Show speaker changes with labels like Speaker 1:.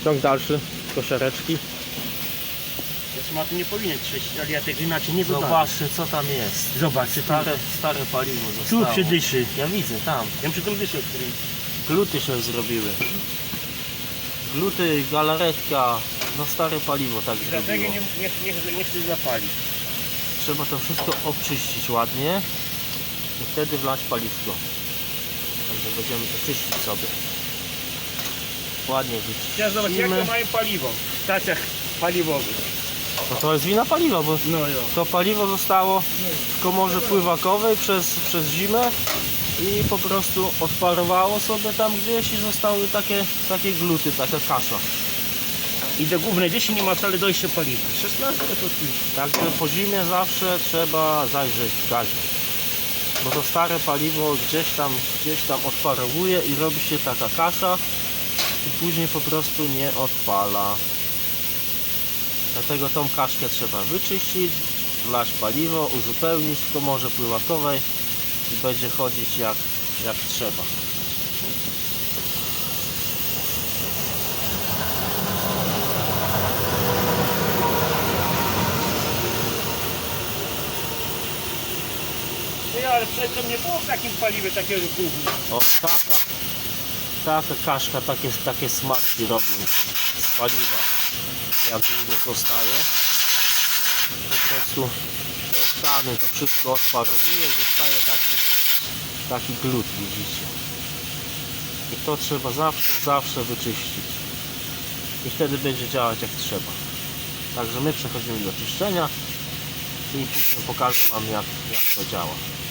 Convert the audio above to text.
Speaker 1: Ciąg dalszy, koszereczki.
Speaker 2: Smaku nie powinien trzeć, ale ja tego inaczej nie wygląda.
Speaker 1: Zobaczcie co tam jest.
Speaker 2: Zobaczcie,
Speaker 1: Stare paliwo
Speaker 2: tu
Speaker 1: zostało.
Speaker 2: przydyszy.
Speaker 1: Ja widzę tam.
Speaker 2: Ja przy tym dyszę, który...
Speaker 1: Gluty się zrobiły. Gluty, galaretka. No stare paliwo tak
Speaker 2: Dlatego
Speaker 1: zrobiło.
Speaker 2: nie chcę zapalić.
Speaker 1: Trzeba to wszystko obczyścić ładnie i wtedy wlać paliwko. Także będziemy to czyścić sobie. Ładnie
Speaker 2: Teraz zobacz, jak to
Speaker 1: wyczyścimy.
Speaker 2: mają paliwo w stacjach paliwowych.
Speaker 1: No to jest wina paliwa, bo
Speaker 2: No jo.
Speaker 1: to paliwo zostało w komorze pływakowej przez zimę i po prostu odparowało sobie tam gdzieś i zostały takie gluty, taka kasza.
Speaker 2: I do głównej dyszy nie ma wcale dojścia paliwa. 16 to tu.
Speaker 1: Także po zimie zawsze trzeba zajrzeć w gazie. Bo to stare paliwo gdzieś tam odparowuje i robi się taka kasza i później po prostu nie odpala. Dlatego tą kaszkę trzeba wyczyścić, wlać paliwo, uzupełnić w komorze pływakowej i będzie chodzić jak trzeba.
Speaker 2: No ale przedtem nie było w takim paliwie takiego gówna.
Speaker 1: O, taka kaszka, takie smarki robią z paliwa. Jak długo zostaje, po prostu te oktany, to wszystko odparowuje i zostaje taki glut, widzicie. I to trzeba zawsze wyczyścić. I wtedy będzie działać jak trzeba. Także my przechodzimy do czyszczenia i później pokażę wam jak to działa.